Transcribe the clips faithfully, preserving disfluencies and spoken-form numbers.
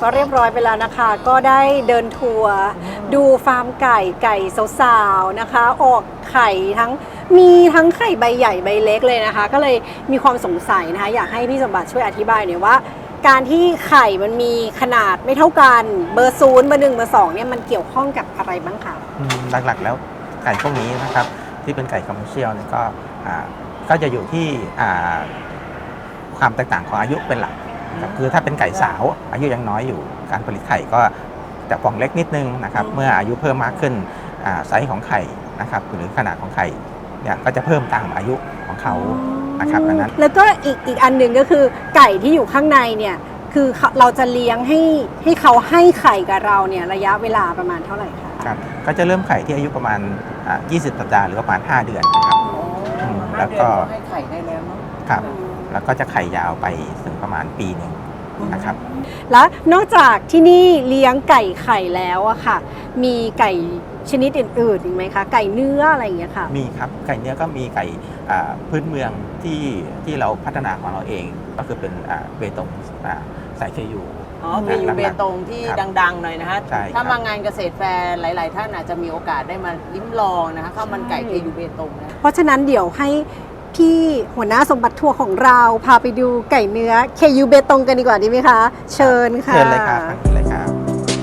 ก็เรียบร้อยไปแล้วนะคะ ก็ได้เดินทัวร์ดูฟาร์มไก่ไก่สาวๆนะคะ ออกไข่ทั้งมีทั้งไข่ใบใหญ่ใบเล็กเลยนะคะ ก็เลยมีความสงสัยนะคะ อยากให้พี่สมบัติช่วยอธิบายหน่อยว่า การที่ไข่มันมีขนาดไม่เท่ากันเบอร์ศูนย์เบอร์หนึ่งเบอร์สองเนี่ยมันเกี่ยวข้องกับอะไรบ้างคะอืมหลักๆแล้วไก่พวกนี้นะครับที่เป็นไก่คอมเมอร์เชียลเนี่ยก็อ่าก็จะอยู่ที่อ่าความแตกต่างของอายุเป็นหลักครับคือถ้าเป็นไก่สาวอายุยังน้อยอยู่การผลิตไข่ก็จะฟองเล็กนิดนึงนะครับเมื่ออายุเพิ่มมากขึ้นอ่าไซส์ของไข่นะครับหรือขนาดของไข่เนี่ยก็จะเพิ่มตามอายุของเขานะครับอันนั้นแล้วก็อีกอีกอันหนึ่งก็คือไก่ที่อยู่ข้างในเนี่ยคือเราจะเลี้ยงให้ให้เขาให้ไข่กับเราเนี่ยระยะเวลาประมาณเท่าไหร่คะครับก็จะเริ่มไข่ที่อายุประมาณอ่ายี่สิบสัปดาห์หรือประมาณห้าเดือนนะครับอืมแล้วก็ให้ไข่ได้แล้วเนาะครับแล้วก็จะไข่ยาวไปถึงประมาณปีหนึ่งนะครับแล้วนอกจากที่นี่เลี้ยงไก่ไข่แล้วอะค่ะ มีไก่ชนิดอื่นๆอีกไหมคะ ไก่เนื้ออะไรอย่างเงี้ยค่ะมีครับไก่เนื้อก็มีไก่อ่าพื้นเมืองที่ที่เราพัฒนาของเราเอง ก็คือเป็นอ่าเบตงอ่าสายเคยูอ๋อมีอยู่เบตงที่ครับดังๆหน่อยนะคะใช่ครับถ้ามางานเกษตรแฟร์หลาย ๆ ท่านอาจจะมีโอกาสได้มาลิ้มลองนะคะข้าวมันไก่เคยูเบตงนะเพราะฉะนั้นเดี๋ยวให้พี่หัวหน้าสมบัติทัวร์ของเราพาไปดูไก่เนื้อเคยูเบตงกันดีกว่าดีไหมคะ เชิญค่ะเชิญเลยครับทางนี้เลยครับ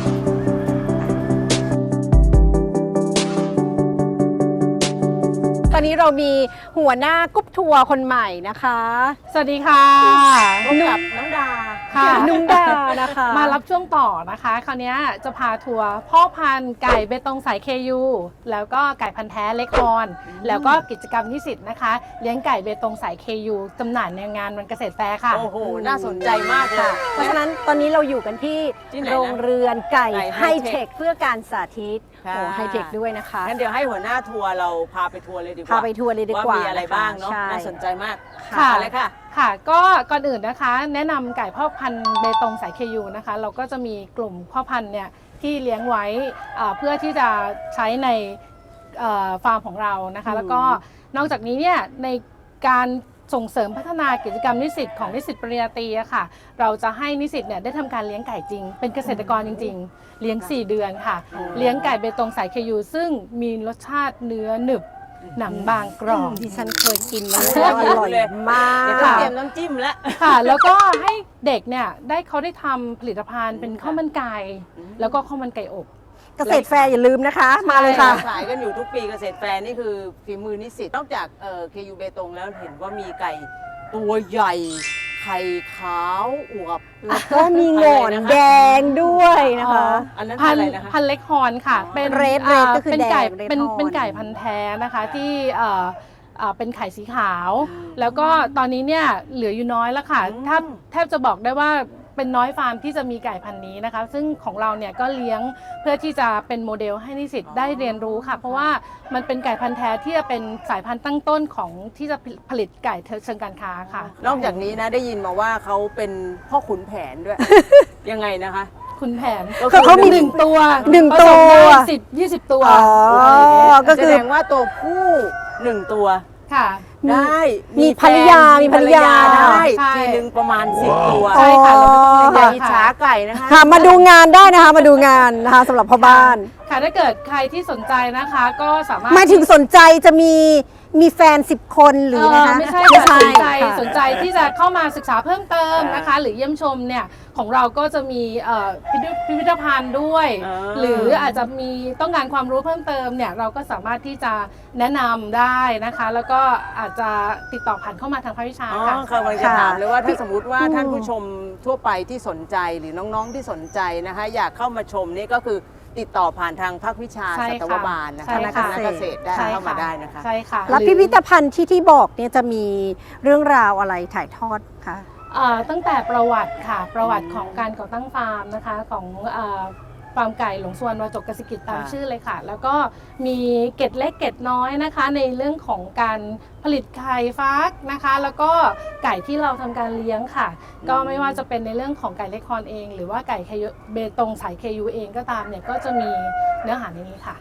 ตอนนี้เรามีหัวหน้ากรุ๊ปทัวร์คนใหม่นะคะสวัสดีค่ะร่วมกับน้องดาค่ะนุ่มดานะคะมารับช่วงต่อนะคะ คราวนี้จะพาทัวร์พ่อพันธุ์ไก่เบตงสาย เค ยู แล้วก็ไก่พันธุ์แท้เล็กฮอร์นแล้วก็กิจกรรมนิสิตนะคะ เลี้ยงไก่เบตงสาย เค ยู จำหน่ายในงานวันเกษตรแฟร์ค่ะโอ้โห น่าสนใจมากเลยเพราะฉะนั้นตอนนี้เราอยู่กันที่ที่ไหนนะโรงเรือนไก่ไก่ไฮไฮเทเทคคเพื่อการสาธิตค่ะโอ้ไฮเทคด้วยนะคะงั้นเดี๋ยวให้หัวหน้าทัวร์เราพาไปทัวร์เลยดีกว่าพาไปทัวร์เลยดีกว่ามีอะไรบ้างเนาะใช่น่าสนใจมากค่ะอะไรค่ะค่ะ ก็ก่อนอื่นนะคะ แนะนำไก่พ่อพันธุ์เบตงสาย เค ยู นะคะ เราก็จะมีกลุ่มพ่อพันธุ์เนี่ยที่เลี้ยงไว้อ่าเพื่อที่จะใช้ในเอ่อฟาร์มของเรานะคะอืมแล้วก็นอกจากนี้เนี่ยในการส่งเสริมพัฒนากิจกรรมนิสิตของนิสิตปริญญาตรีอะค่ะ เราจะให้นิสิตเนี่ยได้ทำการเลี้ยงไก่จริง เป็นเกษตรกรจริง ๆ เลี้ยง สี่ เดือนค่ะ เลี้ยงไก่เบตงสาย เค ยู ซึ่งมีรสชาติเนื้อหนึบหนังบางกรอบดิฉันเคยกินแล้วโอ้อโหร่อยเลยมากเดี๋ยวต้องเตรียมน้ำจิ้มแล้วค่ะ แล้วก็ให้เด็กเนี่ยได้เขาได้ทำผลิตภัณฑ์เป็นข้าวมันไก่แล้วก็ข้าวมันไก่อบเกษตรแฟร์อย่าลืมนะคะ มาเลยค่ะขายกันอยู่ทุกปีเกษตรแฟร์นี่คือฝีมือนิสิตนอกจากเอ่อเคยูเบตงแล้วเห็นว่ามีไก่ตัวใหญ่ ไข่ขาวอวบแล้วก็มีหงอนแดงด้วยนะคะอันนั้นพัอะนไรธุ์นะคะพันธุ์เล็กฮอร์นค่ะ เป็นเรดเรดก็คือเป็นไก่แดงเป็นเรดฮอร์นเป็นไก่พันธุ์แท้นะคะที่เอ่อเอ่อเป็นไข่สีขาวอืมแล้วก็ตอนนี้เนี่ยเหลืออยู่น้อยแล้วค่ะอืมแทบแทบจะบอกได้ว่าเป็นน้อยฟาร์มที่จะมีไก่พันธุ์นี้นะคะ ซึ่งของเราเนี่ยก็เลี้ยงเพื่อที่จะเป็นโมเดลให้นิสิตได้เรียนรู้ค่ะ เพราะว่ามันเป็นไก่พันธุ์แท้ที่จะเป็นสายพันธุ์ตั้งต้นของที่จะผลิตไก่เชิงการค้าค่ะนอกจากนี้นะได้ยินมาว่าเขาเป็นพ่อขุนแผนด้วย ยังไงนะคะคุณแผนก็คือเขามีหนึ่งตัวหนึ่งผสมตัวได้สิบยี่สิบตัวอ๋อ ก็คือแสดงว่าตัวผู้หนึ่งตัวค่ะมีได้มีภรรยามีภรรยาได้ใช่ทีหนึ่งประมาณสิบตัวใช่ค่ะเราไม่ต้องเลี้ยงอย่าเยอิจอะฉาค่ะไก่นะคะค่ะมาดูงานได้นะคะ มาดูงานนะคะสำหรับพ่อบ้านค่ะถ้าเกิดใครที่สนใจนะคะก็สามารถหมายถึงสนใจจะมีมีแฟนสิบคนหรือเอนะอคะไม่ใช่ไม่ค่ะใช่สนใจค่ะสนใจที่จะเข้ามาศึกษาเพิ่มเติมนะคะ หรือเยี่ยมชมเนี่ยของเราก็จะมีเอ่อพิพิธพิพิธภัณฑ์ด้วยอ่าหรืออาจจะมีต้องการความรู้เพิ่มเติมเนี่ยเราก็สามารถที่จะแนะนำได้นะคะ แล้วก็อาจจะติดต่อผ่านเข้ามาทางภาควิชาอ๋อค่ะค่ะกำลังจะถามเลยว่าถ้าพี่สมมติว่าท่านผู้ชมทั่วไปที่สนใจหรือน้องๆที่สนใจนะคะ อยากเข้ามาชมนี่ก็คือติดต่อผ่านทางภาควิชาใช่สัค่ะตวบาลนะใช่คะค่ะคณะเกษตรได้ใช่เข้ามาค่ะได้นะคะใช่ค่ะแล้วหรือพิพิธภัณฑ์ที่ที่บอกเนี่ยจะมีเรื่องราวอะไรถ่ายทอดคะเอ่อตั้งแต่ประวัติค่ะประวัติของการก่อตั้งฟาร์มนะคะของเอ่อฟาร์มไก่หลงสวนวาจกกสิกิจตามค่ะชื่อเลยค่ะ แล้วก็มีเกร็ดเล็กเกร็ดน้อยนะคะ ในเรื่องของการผลิตไข่ฟักนะคะ แล้วก็ไก่ที่เราทำการเลี้ยงค่ะ ก็ไม่ว่าจะเป็นในเรื่องของไก่เล็กคอนเอง หรือว่าไก่เบตงสาย เค ยู เองก็ตามเนี่ยก็จะมีเนื้อหาในนี้ค่ะ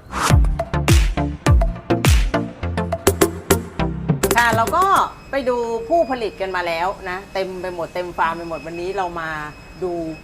ค่ะเราก็ไปดูผู้ผลิตกันมาแล้วนะเต็มไปหมดเต็มฟาร์มไปหมดวันนี้เรามาดู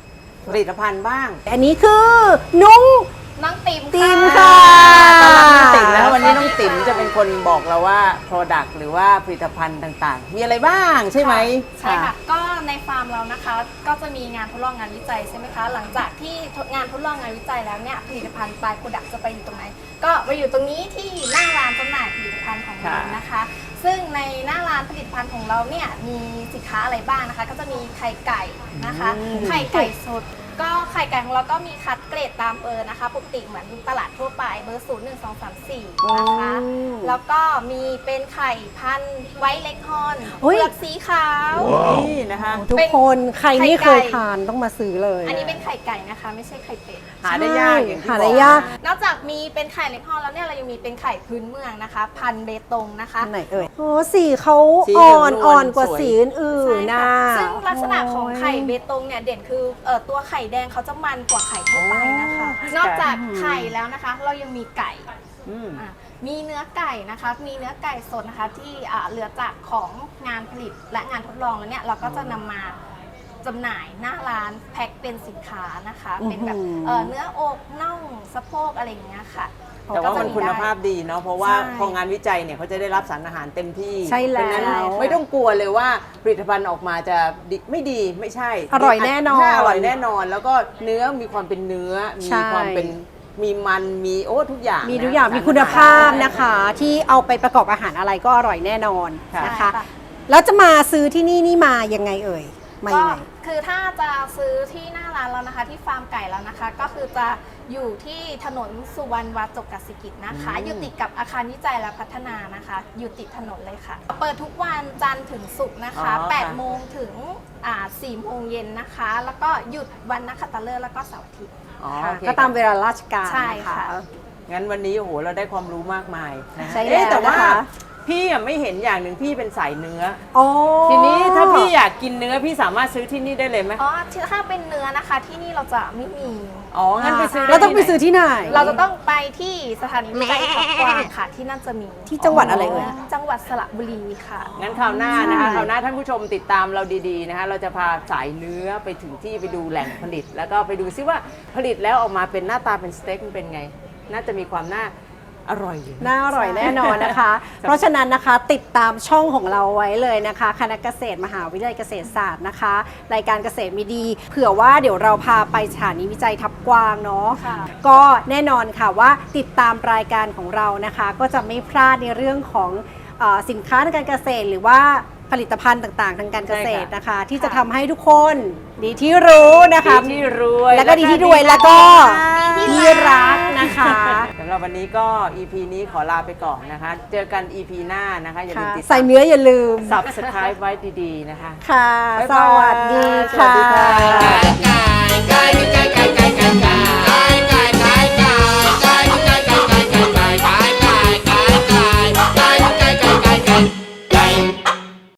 ผลิตภัณฑ์บ้างอันนี้คือนุ้งน้องติ๋มติ๋มค่ะค่ะตอนรับน้องติ๋มแล้ววันนี้น้องติ๋มจะเป็นคนบอกเราว่า Product หรือว่าผลิตภัณฑ์ต่างๆ มีอะไรบ้างใช่ไหมใช่ค่ะ ก็ในฟาร์มเรานะคะ ก็จะมีงานทดลองงานวิจัยใช่ไหมคะ หลังจากที่งานทดลองงานวิจัยแล้วเนี่ย ผลิตภัณฑ์ปลายโปรดักต์จะไปอยู่ตรงไหน ก็ไปอยู่ตรงนี้ที่หน้าร้านจำหน่ายผลิตภัณฑ์ของเรานะคะ ซึ่งในหน้าร้านผลิตภัณฑ์ของเราเนี่ยมีสินค้าอะไรบ้างนะคะ ก็จะมีไข่ไก่นะคะ ไข่ไก่สด ก็ไข่ไก่ของเราก็มีคัดเกรดตามเบอร์นะคะปกติเหมือนตลาดทั่วไปเบอร์ศูนย์หนึ่งสองสามสี่นะคะ แล้วก็มีเป็นไข่พันธุ์ไวท์เล็กฮอนอุ๊ยเปลือกสีขาวนี่นะคะทุกคนใครไม่เคยทานต้องมาซื้อเลยอันนี้เป็นไข่ไก่นะคะ ไม่ใช่ไข่เป็ดหาได้ยากอย่างที่หาบได้อกยากนอกจากมีเป็นไข่เล็กฮอนแล้วเนี่ยเรายังมีเป็นไข่พื้นเมืองนะคะ พันธุ์เบตงนะคะอันไหนเอ่ยโอ้สีเขาสีอ่เหลืออน งนวลอ่อนกว่าสวยสีอื่นใช่ๆนะค่ะซึ่งลักษณะของไข่เบตงเนี่ยเด่นคือเอ่อตัวไข่แดงเขาจะมันกว่าไข่ทั่วไปนะคะ นอกจากไข่แล้วนะคะ เรายังมีไก่อืมอ่ะมีเนื้อไก่นะคะ มีเนื้อไก่สดนะคะที่อ่าเหลือจากของงานผลิตและงานทดลองแล้วเนี่ยเราก็จะนำมาจำหน่ายหน้าร้านแพ็คเป็นสินค้านะคะ เป็นแบบอื้อหือเอ่อเนื้ออกน่องสะโพกอะไรอย่างเงี้ยค่ะแต่ว่ามันก็จะคุณภาพได้ดีเนาะเพราะว่าใช่พองานวิจัยเนี่ยเขาจะได้รับสารอาหารเต็มที่ใช่แล้วเพราะฉะนั้นไม่ต้องกลัวเลยว่าผลิตภัณฑ์ออกมาจะดีไม่ดีไม่ใช่อร่อยแน่นอนใช่อร่อยแน่นอน แล้วก็เนื้อมีความเป็นเนื้อ มีใช่ความเป็นมีมันมีโอ้ทุกอย่างมีนะทุกอย่างสรมีคุณภาพอหรนะคะ ที่เอาไปประกอบอาหารอะไรก็อร่อยแน่นอนค่ะนะคะใช่ค่ะแล้วจะมาซื้อที่นี่นี่มายังไงเอ่ยมาก็ยังไงคือถ้าจะซื้อที่หน้าร้านแล้วนะคะ ที่ฟาร์มไก่แล้วนะคะ ก็คือจะอยู่ที่ถนนสุวรรณวาจกกสิกิจนะคะ อยู่ติดกับอาคารวิจัยและพัฒนานะคะ อยู่ติดถนนเลยค่ะ เปิดทุกวันจันทร์ถึงศุกร์นะคะอ๋อค่ะแปดโมงถึงอ่าสี่โมงเย็นนะคะ แล้วก็หยุดวันนักขัตฤกษ์แล้วก็เสาร์อาทิตย์อ๋อค่ะโอเคก็ตามเวลาราชการใช่นค่ะงั้นวันนี้โอ้โหเราได้ความรู้มากมายนะใช่เอ๊ะแล้วแต่ว่านะคะพี่อะไม่เห็นอย่างหนึ่งพี่เป็นสายเนื้ออ๋อทีนี้ถ้าพี่อยากกินเนื้อพี่สามารถซื้อที่นี่ได้เลยไหมอ๋อถ้าเป็นเนื้อนะคะที่นี่เราจะไม่มีอ๋องั้นไปซื้อเราต้องไปซื้อที่ไหนเราจะต้องไปที่สถานีวิจัยทับกวางค่ะ ที่นั่นจะมีที่จังหวัดอะไรเอ่ยจังหวัดสระบุรีค่ะงั้นคราวหน้านะคะใช่คราวหน้าท่านผู้ชมติดตามเราดีๆนะคะเราจะพาสายเนื้อไปถึงที่ไปดูแหล่งผลิต แล้วก็ไปดูซิว่าผลิตแล้วออกมาเป็นหน้าตาเป็นสเต็กมันเป็นไง น่าจะมีความน่าอร่อยอยู่นะน่าอร่อยแน่นอนนะคะ เพราะฉะนั้นนะคะติดตามช่องของเราไว้เลยนะคะคณะเกษตรมหาวิทยาลัยเกษตรศาสตร์นะคะ รายการเกษตรมีดี เผื่อว่าเดี๋ยวเราพาไปสถานีวิจัยทับกวางเนาะค่ะก็แน่นอนค่ะว่าติดตามรายการของเรานะคะ ก็จะไม่พลาดในเรื่องของเออสินค้าทางการเกษตรหรือว่าผลิตภัณฑ์ต่างๆ ทางการเกษตรนะคะ ที่จะทำให้ทุกคนดีที่รู้นะคะดีที่รวยแล้วก็ดีที่รวยแล้วก็ที่รักนะคะสำหรับวันนี้ก็ อี พี นี้ขอลาไปก่อนนะคะ เจอกัน อี พี หน้านะคะอย่าลืมค่ะติดตามใส่เนื้ออย่าลืม Subscribe ไว้ดีๆนะคะค่ะบ๊ายสบายวัสดีสวัสดีค่ะค่ะ